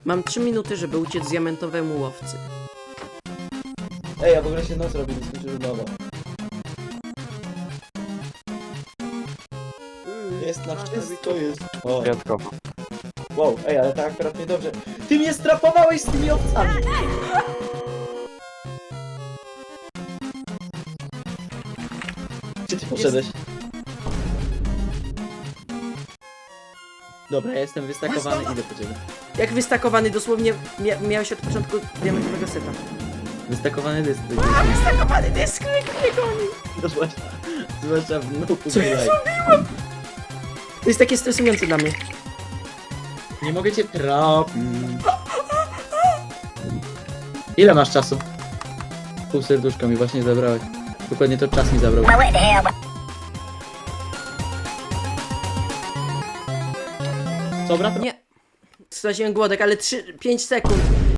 Mam 3 minuty, żeby uciec diamentowemu łowcy. Ej, a w ogóle się noc robi, nie skończył nowo. Jest na wszystko, jest. O, Wyjątkowo. wow, ej, ale tak akurat niedobrze. Ty mnie strapowałeś z tymi owcami! Gdzie ty poszedłeś? Dobra, ja jestem wystakowany, idę po ciebie. Jak wystakowany, dosłownie miałeś od początku diamentowego seta. Wystakowany dysk. Wystakowany dysk mnie goni! Zwłaszcza w nuku. Co ja zrobiłem? To jest takie stresujące dla mnie. Nie mogę cię trafić. Ile masz czasu? Pół serduszka mi właśnie zabrałeś. Dokładnie to czas mi zabrał. Co, brat? Nie. Straciłem głodek, ale 5 sekund.